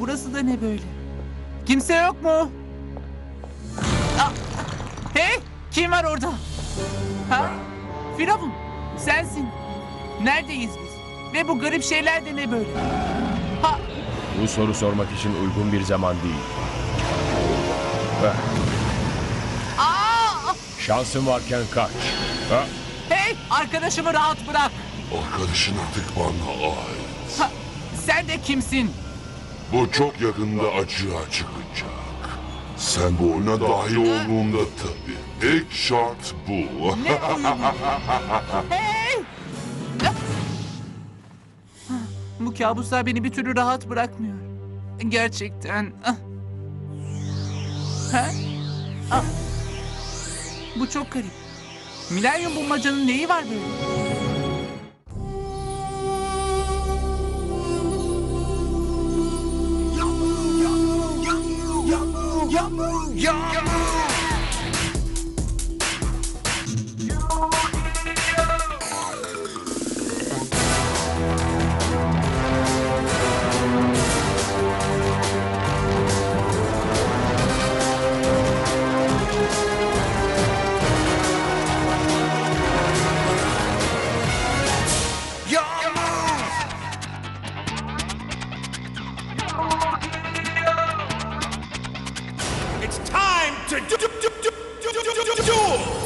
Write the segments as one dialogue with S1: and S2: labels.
S1: burası da ne böyle? Kimse yok mu? Aa, hey, kim var orada? Ha? Firavun, sensin. Neredeyiz biz? Ve bu garip şeyler de ne böyle? Ha?
S2: Bu soru sormak için uygun bir zaman değil.
S1: Aa!
S2: Şansın varken kaç. Ha?
S1: Hey, arkadaşımı rahat bırak.
S3: Arkadaşın artık bana ait.
S1: Ha, sen de kimsin?
S3: Bu çok yakında açığa çıkacak. Sen bu oyuna dahil olduğunda tabii. İlk şart bu.
S1: Ne oyunu? Hey! Bu kabuslar beni bir türlü rahat bırakmıyor. Gerçekten. Ha? Bu çok garip. Milenyum bulmacanın neyi var böyle?
S4: It's time to do.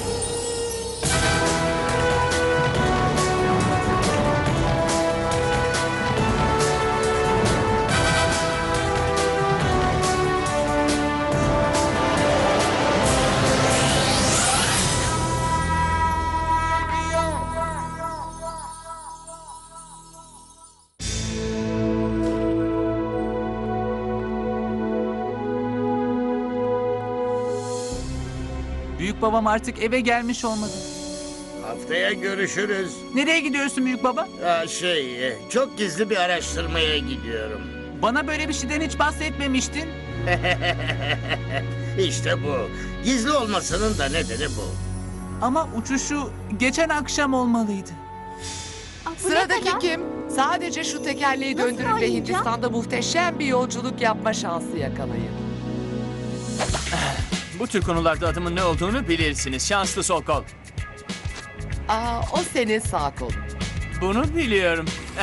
S1: Büyük babam artık eve gelmiş olmalı.
S5: Haftaya görüşürüz.
S1: Nereye gidiyorsun büyük baba?
S5: Çok gizli bir araştırmaya gidiyorum.
S1: Bana böyle bir şeyden hiç bahsetmemiştin.
S5: İşte bu. Gizli olmasının da nedeni bu.
S1: Ama uçuşu geçen akşam olmalıydı.
S6: Sıradaki kim? Sadece şu tekerleği
S7: Nasıl
S6: döndürün ve
S7: oynayacağım?
S6: Hindistan'da muhteşem bir yolculuk yapma şansı yakalayın.
S8: Bu tür konularda adımın ne olduğunu bilirsiniz. Şanslı sol kol.
S6: O senin sağ kolun.
S8: Bunu biliyorum.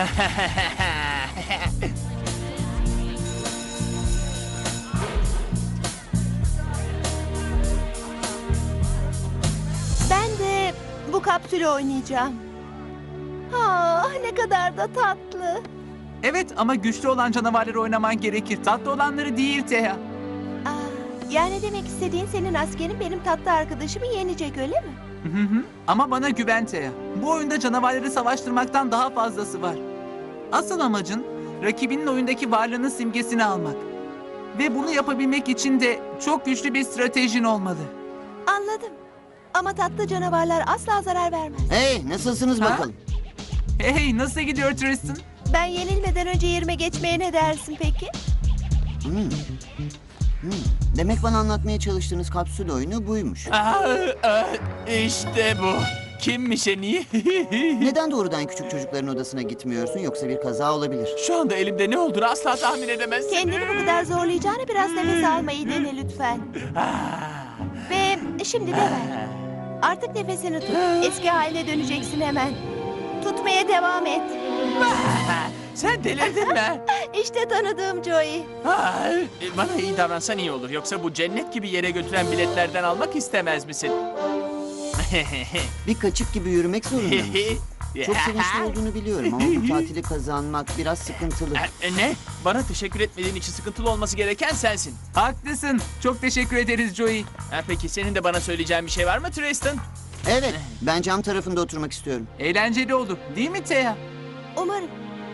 S7: Ben de bu kapsülü oynayacağım. Ne kadar da tatlı.
S1: Evet ama güçlü olan canavarları oynaman gerekir. Tatlı olanları değil Teha.
S7: Yani demek istediğin senin askerin benim tatlı arkadaşımı yenecek öyle mi?
S1: Hı hı. Ama bana güven Teha. Bu oyunda canavarları savaştırmaktan daha fazlası var. Asıl amacın rakibinin oyundaki varlığının simgesini almak. Ve bunu yapabilmek için de çok güçlü bir stratejin olmalı.
S7: Anladım. Ama tatlı canavarlar asla zarar vermez.
S9: Hey, nasılsınız
S1: Ha?
S9: bakalım?
S1: Hey, nasıl gidiyor Tristan?
S7: Ben yenilmeden önce yerime geçmeye ne dersin peki?
S9: Demek bana anlatmaya çalıştığınız kapsül oyunu buymuş.
S8: İşte bu. Kimmiş en iyi?
S9: Neden doğrudan küçük çocukların odasına gitmiyorsun, yoksa bir kaza olabilir?
S8: Şu anda elimde ne olduğunu asla tahmin edemezsin.
S7: Kendini bu kadar zorlayacağına biraz nefes almayı dene lütfen. Ve şimdi de ver. Artık nefesini tut. Eski haline döneceksin hemen. Tutmaya devam et.
S8: Sen delirdin mi?
S7: İşte tanıdığım Joey.
S8: Bana iyi davransan iyi olur. Yoksa bu cennet gibi yere götüren biletlerden almak istemez misin?
S9: Bir kaçık gibi yürümek zorunda mısın? Çok sevinçli olduğunu biliyorum ama bu tatili kazanmak biraz sıkıntılı.
S8: Ne? Bana teşekkür etmediğin için sıkıntılı olması gereken sensin.
S1: Haklısın. Çok teşekkür ederiz Joey.
S8: Peki senin de bana söyleyeceğin bir şey var mı Tristan?
S9: Evet, ben cam tarafında oturmak istiyorum.
S1: Eğlenceli olur. Değil mi Teha?
S7: Umarım.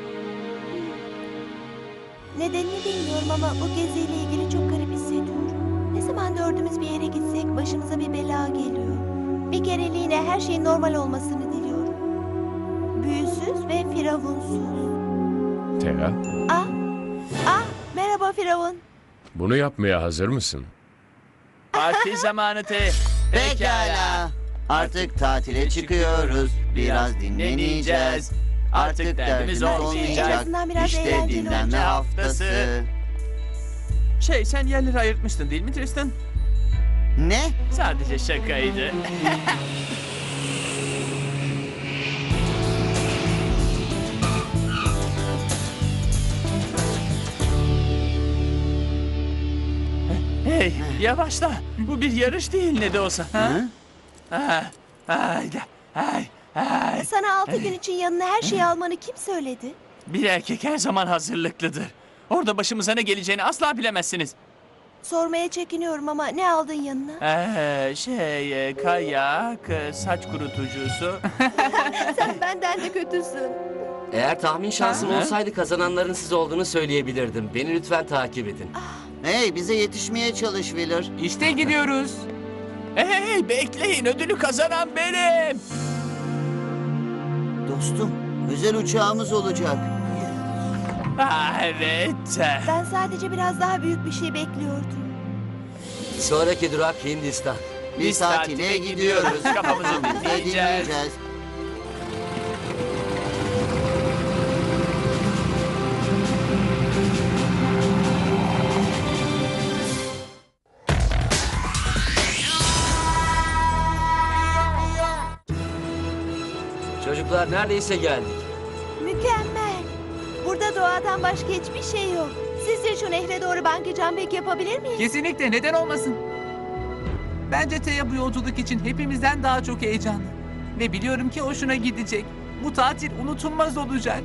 S7: Nedenini bilmiyorum ama bu geziyle ilgili çok garip hissediyorum. Ne zaman dördümüz bir yere gitsek başımıza bir bela geliyor. Bir kereliğine her şeyin normal olmasını diliyorum. Büyüsüz ve firavunsuz.
S2: Teha,
S7: Merhaba Firavun.
S2: bunu yapmaya hazır mısın?
S8: Parti zamanı
S9: Pekala. Artık tatile çıkıyoruz. Biraz dinleneceğiz. Artık derdimiz olmayacak.
S7: En azından biraz
S9: İşte
S7: eğlenceli
S9: dinlenme
S7: olacak.
S9: haftası.
S8: Sen yerleri ayırtmıştın değil mi Tristan?
S9: Ne?
S8: Sadece şakaydı. Hey, yavaşla. Bu bir yarış değil ne de olsa. Ha? Hayda. Hay.
S7: Sana 6 gün için yanına her şeyi almanı kim söyledi?
S8: Bir erkek her zaman hazırlıklıdır. Orada başımıza ne geleceğini asla bilemezsiniz.
S7: Sormaya çekiniyorum ama ne aldın yanına?
S8: Kayak, saç kurutucusu.
S7: Sen benden de kötüsün.
S10: Eğer tahmin şansım olsaydı kazananların siz olduğunu söyleyebilirdim. Beni lütfen takip edin.
S9: Hey, bize yetişmeye çalış Wheeler.
S1: İşte gidiyoruz.
S8: Hey, bekleyin, ödülü kazanan benim.
S9: Dostum, özel uçağımız olacak.
S8: Evet.
S7: Ben sadece biraz daha büyük bir şey bekliyordum.
S10: Sonraki durak Hindistan.
S9: Biz tatile gidiyoruz.
S8: Kafamızı
S9: Biz de
S8: dinleyeceğiz.
S9: dinleyeceğiz.
S10: Çocuklar neredeyse geldik.
S7: Mükemmel. Burada doğadan başka hiçbir şey yok. Sizce şu nehre doğru bungee jumping yapabilir miyiz?
S1: Kesinlikle, neden olmasın? Bence Thea bu yolculuk için hepimizden daha çok heyecanlı. Ve biliyorum ki hoşuna gidecek. Bu tatil unutulmaz olacak.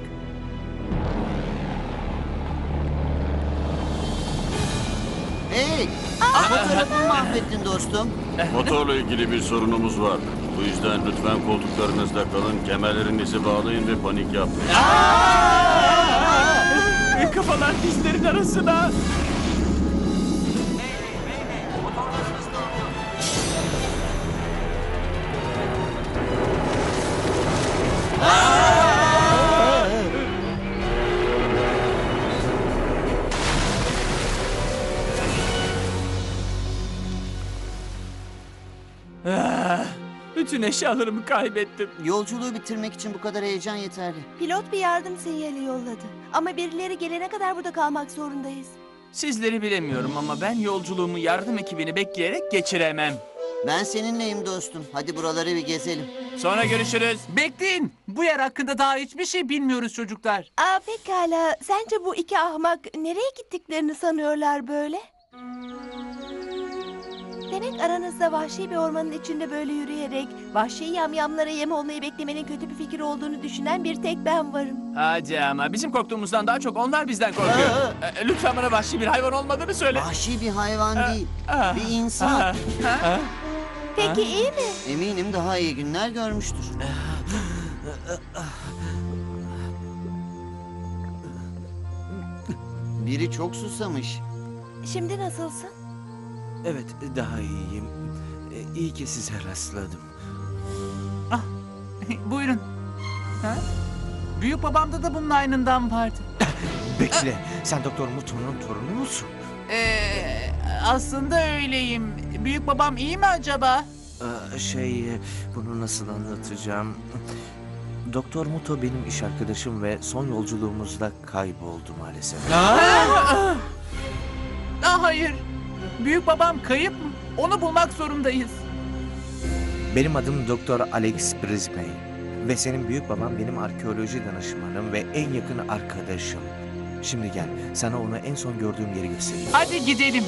S9: Hey, fotoğrafımı mahvettin dostum.
S11: Motorla ilgili bir sorunumuz var. Bu yüzden lütfen koltuklarınızda kalın, kemerlerinizi bağlayın ve panik yapmayın.
S8: Kafalar dizlerin arasına. Bütün eşyalarımı kaybettim.
S9: Yolculuğu bitirmek için bu kadar heyecan yeterli.
S7: Pilot bir yardım sinyali yolladı. Ama birileri gelene kadar burada kalmak zorundayız.
S8: Sizleri bilemiyorum ama ben yolculuğumu yardım ekibini bekleyerek geçiremem.
S9: Ben seninleyim dostum. Hadi buraları bir gezelim.
S8: Sonra görüşürüz.
S1: Bekleyin. Bu yer hakkında daha hiçbir şey bilmiyoruz çocuklar.
S7: Pekala. Sence bu iki ahmak nereye gittiklerini sanıyorlar böyle? Demek aranızda vahşi bir ormanın içinde böyle yürüyerek vahşi yamyamlara yem olmayı beklemenin kötü bir fikir olduğunu düşünen bir tek ben varım.
S8: Hadi ama bizim korktuğumuzdan daha çok onlar bizden korkuyor. Lütfen bana vahşi bir hayvan olmadığını söyle.
S9: Vahşi bir hayvan değil, bir insan.
S7: Peki iyi mi?
S9: Eminim daha iyi günler görmüştür. Biri çok susamış.
S7: Şimdi nasılsın?
S12: Evet, daha iyiyim. İyi ki size rastladım.
S1: Buyurun. Büyük babamda da bunun aynından vardı.
S12: Bekle, sen Doktor Muto'nun torunu musun?
S1: Aslında öyleyim. Büyük babam iyi mi acaba?
S12: Bunu nasıl anlatacağım? Doktor Muto benim iş arkadaşım ve son yolculuğumuzda kayboldu maalesef.
S1: Hayır. Büyük babam kayıp mı? Onu bulmak zorundayız.
S12: Benim adım Doktor Alex Brisbane ve senin büyük babam benim arkeoloji danışmanım ve en yakın arkadaşım. Şimdi gel, sana onu en son gördüğüm yeri göstereyim.
S1: Hadi gidelim.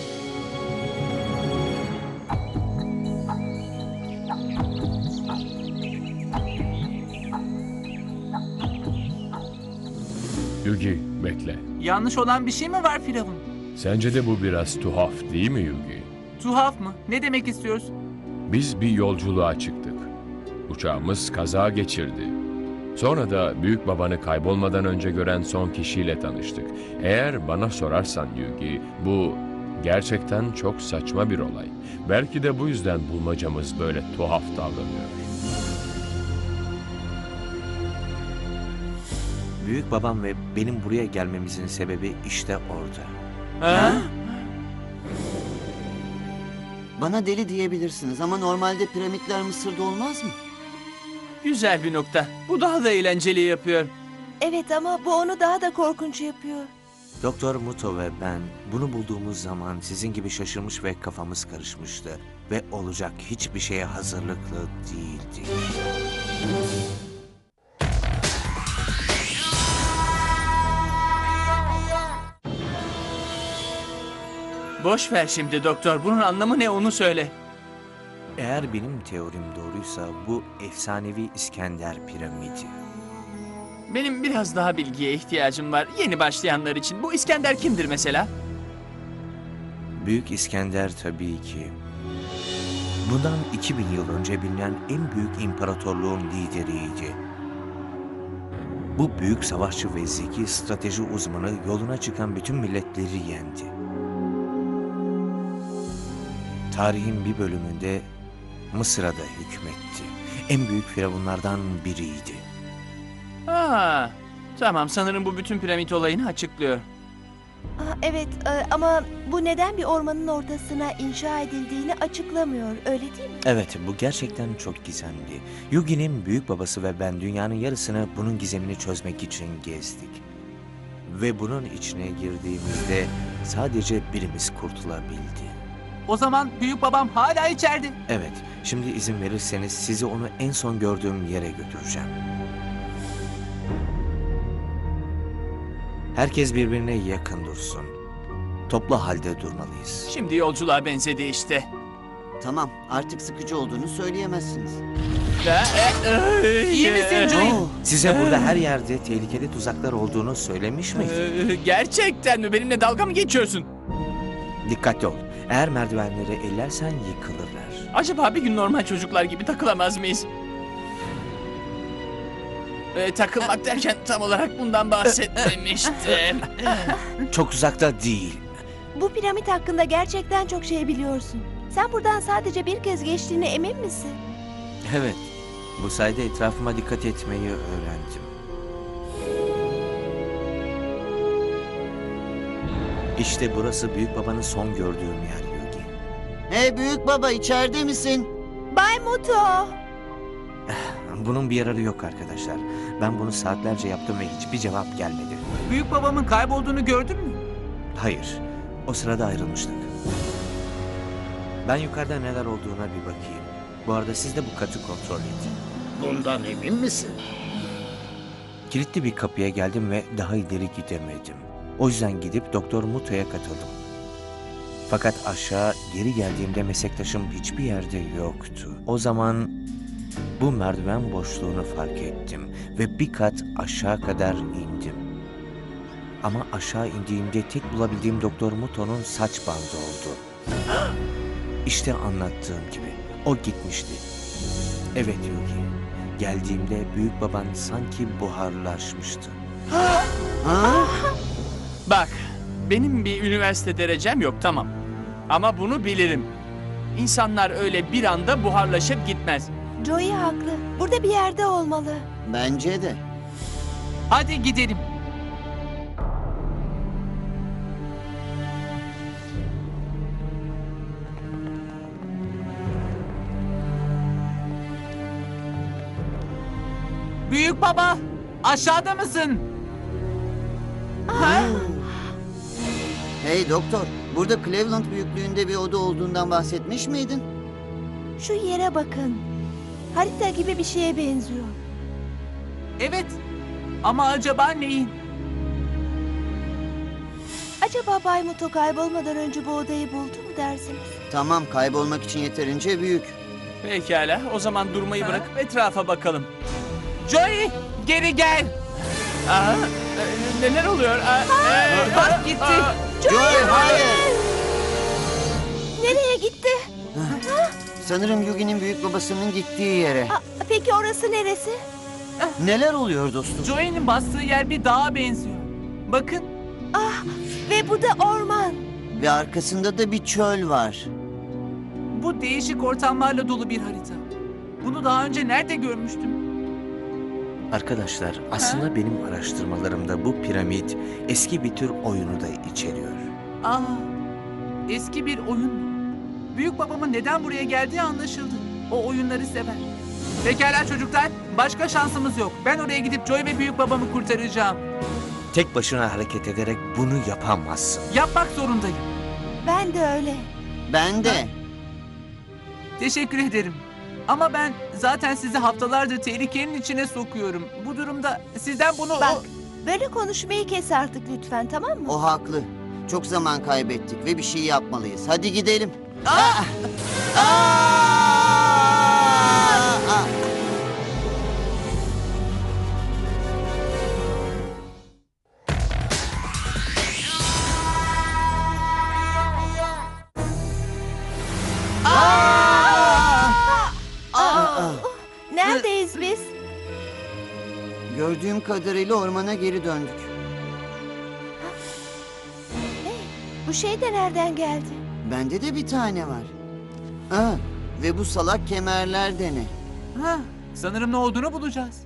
S2: Yugi, bekle.
S1: Yanlış olan bir şey mi var Firavun?
S2: Sence de bu biraz tuhaf değil mi Yugi?
S1: Tuhaf mı? Ne demek istiyorsun?
S2: Biz bir yolculuğa çıktık. Uçağımız kaza geçirdi. Sonra da büyük babanı kaybolmadan önce gören son kişiyle tanıştık. Eğer bana sorarsan Yugi, bu gerçekten çok saçma bir olay. Belki de bu yüzden bulmacamız böyle tuhaf davranıyor.
S12: Büyük babam ve benim buraya gelmemizin sebebi işte orada.
S9: Bana deli diyebilirsiniz ama normalde piramitler Mısır'da olmaz mı?
S8: Güzel bir nokta. Bu daha da eğlenceli yapıyor.
S7: Evet ama bu onu daha da korkunç yapıyor.
S12: Doktor Muto ve ben bunu bulduğumuz zaman sizin gibi şaşırmış ve kafamız karışmıştı. Ve olacak hiçbir şeye hazırlıklı değildik.
S8: Boş ver şimdi doktor. Bunun anlamı ne onu söyle.
S12: Eğer benim teorim doğruysa bu efsanevi İskender piramidi.
S8: Benim biraz daha bilgiye ihtiyacım var. Yeni başlayanlar için. Bu İskender kimdir mesela?
S12: Büyük İskender tabii ki. Bundan 2000 yıl önce bilinen en büyük imparatorluğun lideriydi. Bu büyük savaşçı ve zeki strateji uzmanı yoluna çıkan bütün milletleri yendi. Tarihin bir bölümünde Mısır'a da hükmetti. En büyük firavunlardan biriydi.
S8: Aa, tamam sanırım bu bütün piramit olayını açıklıyor.
S7: Evet ama bu neden bir ormanın ortasına inşa edildiğini açıklamıyor, öyle değil mi?
S12: Evet, bu gerçekten çok gizemli. Yugi'nin büyük babası ve ben dünyanın yarısını bunun gizemini çözmek için gezdik. Ve bunun içine girdiğimizde sadece birimiz kurtulabildi.
S1: O zaman büyük babam hala içeride.
S12: Evet, şimdi izin verirseniz sizi onu en son gördüğüm yere götüreceğim. Herkes birbirine yakın dursun. Toplu halde durmalıyız.
S8: Şimdi yolculuğa benzedi işte.
S9: Tamam, artık sıkıcı olduğunu söyleyemezsiniz.
S1: İyi misin Joey?
S12: Size burada her yerde tehlikeli tuzaklar olduğunu söylemiş miydim?
S8: Gerçekten mi? Benimle dalga mı geçiyorsun?
S12: Dikkatli ol. Eğer merdivenleri ellersen yıkılırlar.
S8: Acaba bir gün normal çocuklar gibi takılamaz mıyız? Takılmak derken tam olarak bundan bahsetmemiştim.
S12: Çok uzakta değil.
S7: Bu piramit hakkında gerçekten çok şey biliyorsun. Sen buradan sadece bir kez geçtiğine emin misin?
S12: Evet. Bu sayede etrafıma dikkat etmeyi öğrendim. İşte burası büyük babanın son gördüğüm yer Yugi.
S9: Hey büyük baba, içeride misin?
S7: Bay Muto!
S12: Bunun bir yararı yok arkadaşlar. Ben bunu saatlerce yaptım ve hiçbir cevap gelmedi.
S1: Büyük babamın kaybolduğunu gördün mü?
S12: Hayır. O sırada ayrılmıştık. Ben yukarıda neler olduğuna bir bakayım. Bu arada siz de bu katı kontrol edin.
S5: Bundan emin misin?
S12: Kilitli bir kapıya geldim ve daha ileri gidemedim. O yüzden gidip Doktor Muto'ya katıldım. Fakat aşağı geri geldiğimde meslektaşım hiçbir yerde yoktu. O zaman bu merdiven boşluğunu fark ettim ve bir kat aşağı kadar indim. Ama aşağı indiğimde tek bulabildiğim Doktor Muto'nun saç bandı oldu. İşte anlattığım gibi o gitmişti. Evet Yugi, geldiğimde büyük baban sanki buharlaşmıştı.
S8: Bak, benim bir üniversite derecem yok tamam. Ama bunu bilirim. İnsanlar öyle bir anda buharlaşıp gitmez.
S7: Joey haklı. Burada bir yerde olmalı.
S9: Bence de.
S1: Hadi gidelim. Büyük baba, aşağıda mısın?
S9: Hey doktor, burada Cleveland büyüklüğünde bir oda olduğundan bahsetmiş miydin?
S7: Şu yere bakın. Harita gibi bir şeye benziyor.
S1: Evet. Ama acaba neyin?
S7: Acaba Bay Muto kaybolmadan önce bu odayı buldu mu dersiniz?
S9: Tamam, kaybolmak için yeterince büyük.
S8: Pekala, o zaman durmayı bırakıp etrafa bakalım.
S1: Joey, geri gel.
S8: Aa, neler oluyor?
S1: Bak gitti.
S9: Joey, hayır!
S7: Nereye gitti?
S9: Sanırım Yugi'nin büyük babasının gittiği yere.
S7: Peki orası neresi?
S9: Neler oluyor dostum?
S1: Joey'nin bastığı yer bir dağa benziyor. Bakın.
S7: Ve bu da orman.
S9: Ve arkasında da bir çöl var.
S1: Bu değişik ortamlarla dolu bir harita. Bunu daha önce nerede görmüştüm?
S12: Arkadaşlar, aslında benim araştırmalarımda bu piramit eski bir tür oyunu da içeriyor.
S1: Eski bir oyun mu? Büyük babamın neden buraya geldiği anlaşıldı. O oyunları sever. Pekala çocuklar, başka şansımız yok. Ben oraya gidip Joey ve büyük babamı kurtaracağım.
S12: Tek başına hareket ederek bunu yapamazsın.
S1: Yapmak zorundayım.
S7: Ben de öyle.
S9: Ben de.
S1: Teşekkür ederim. Ama ben zaten sizi haftalardır tehlikenin içine sokuyorum. Bu durumda sizden bunu...
S7: Bak, böyle konuşmayı kes artık lütfen, tamam mı?
S9: O haklı. Çok zaman kaybettik ve bir şey yapmalıyız. Hadi gidelim.
S7: Neredeyiz biz?
S9: Gördüğüm kadarıyla ormana geri döndük.
S7: Bu şey de nereden geldi?
S9: Bende de bir tane var. Ve bu salak kemerler de ne?
S1: Sanırım ne olduğunu bulacağız.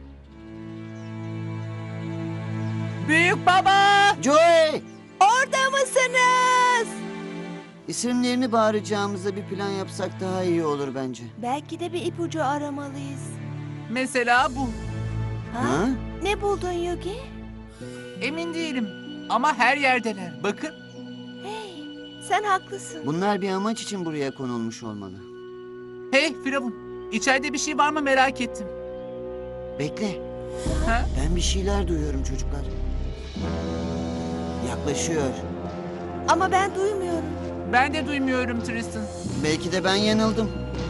S1: Büyük baba!
S9: Joey!
S7: Orada mısınız?
S9: İsimlerini bağıracağımıza bir plan yapsak daha iyi olur bence.
S7: Belki de bir ipucu aramalıyız.
S1: Mesela bu.
S9: Ha?
S7: Ne buldun Yugi?
S1: Emin değilim. Ama her yerdeler. Bakın.
S7: Hey, sen haklısın.
S9: Bunlar bir amaç için buraya konulmuş olmalı.
S1: Hey Firavun. İçeride bir şey var mı merak ettim.
S9: Bekle.
S1: Ha?
S9: Ben bir şeyler duyuyorum çocuklar. Yaklaşıyor.
S7: Ama ben duymuyorum.
S1: Ben de duymuyorum Tristan.
S9: Belki de ben yanıldım.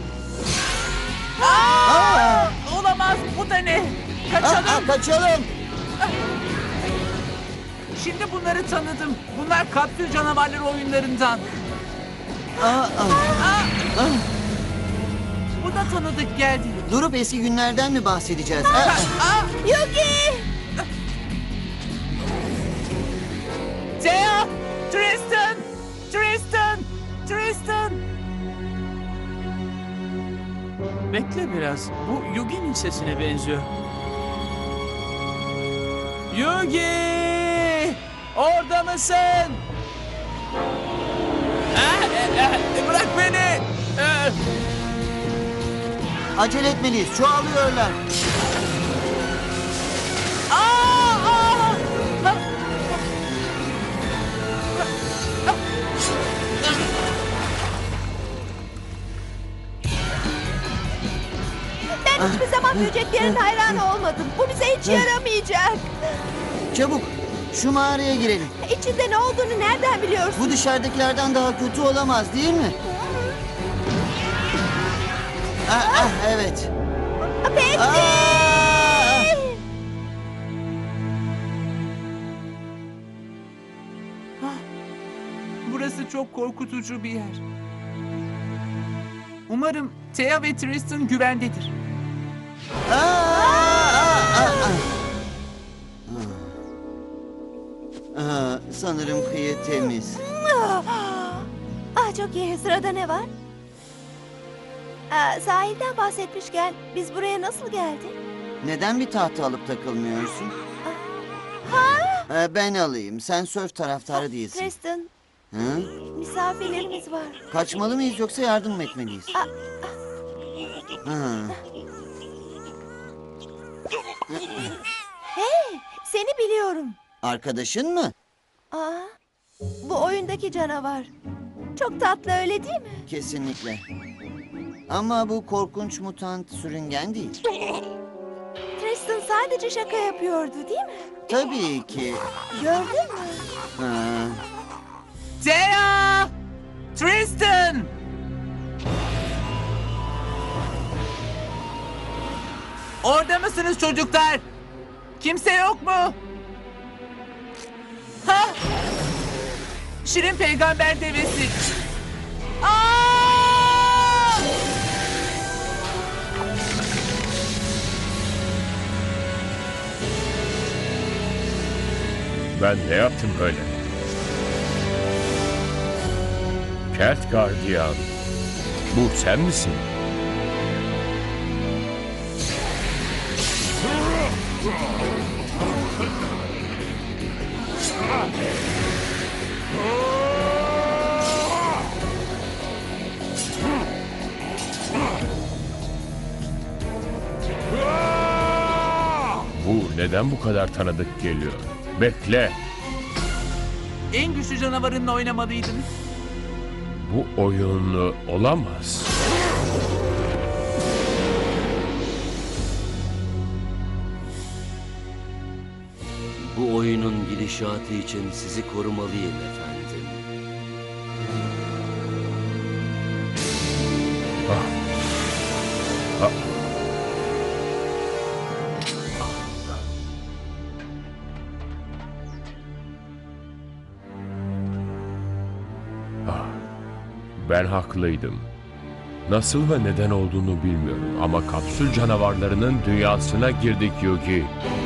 S1: Olamaz. Bu da ne? Kaçalım.
S9: Kaçalım.
S1: Şimdi bunları tanıdım. Bunlar kapsül canavarları oyunlarından. Bu da tanıdık geldi.
S9: Durup eski günlerden mi bahsedeceğiz?
S7: Yugi!
S1: Thea! Tristan! Tristan! Tristan!
S8: Bekle biraz. Bu Yugi'nin sesine benziyor. Yugi! Orada mısın? Bırak beni!
S9: Acele etmeliyiz. Çoğalıyorlar.
S7: Ben hiçbir zaman böceklerin hayranı olmadım. Bu bize hiç yaramayacak.
S9: Çabuk şu mağaraya girelim.
S7: İçinde ne olduğunu nereden biliyorsun?
S9: Bu dışarıdakilerden daha kötü olamaz değil mi? Evet.
S7: Peki.
S1: Burası çok korkutucu bir yer. Umarım Thea ve Tristan güvendedir.
S9: Sanırım kıyı temiz.
S7: Çok iyi. Sırada ne var? Sahilden bahsetmişken biz buraya nasıl geldik?
S9: Neden bir tahta alıp takılmıyorsun? Ben alayım. Sen sörf taraftarı değilsin.
S7: Tristan,
S9: Hı?
S7: misafirlerimiz var.
S9: Kaçmalı mıyız yoksa yardım mı etmeliyiz? Hı.
S7: Hey, seni biliyorum.
S9: Arkadaşın mı?
S7: Bu oyundaki canavar. Çok tatlı, öyle değil mi?
S9: Kesinlikle. Ama bu korkunç mutant sürüngen değil.
S7: Tristan sadece şaka yapıyordu, değil mi?
S9: Tabii ki.
S7: Gördün mü?
S9: Ha.
S1: Thea! Tristan! Orada mısınız çocuklar? Kimse yok mu? Ha? Şirin peygamber devesi.
S2: Ben ne yaptım böyle? Kelt gardiyan. Bu sen misin? Bu neden bu kadar tanıdık geliyor? Bekle.
S1: En güçlü canavarınla oynamalıydınız.
S2: Bu oyun olamaz.
S10: Bu oyunun gidişatı için sizi korumalıyım efendim.
S2: Ben haklıydım. Nasıl ve neden olduğunu bilmiyorum ama kapsül canavarlarının dünyasına girdik Yugi.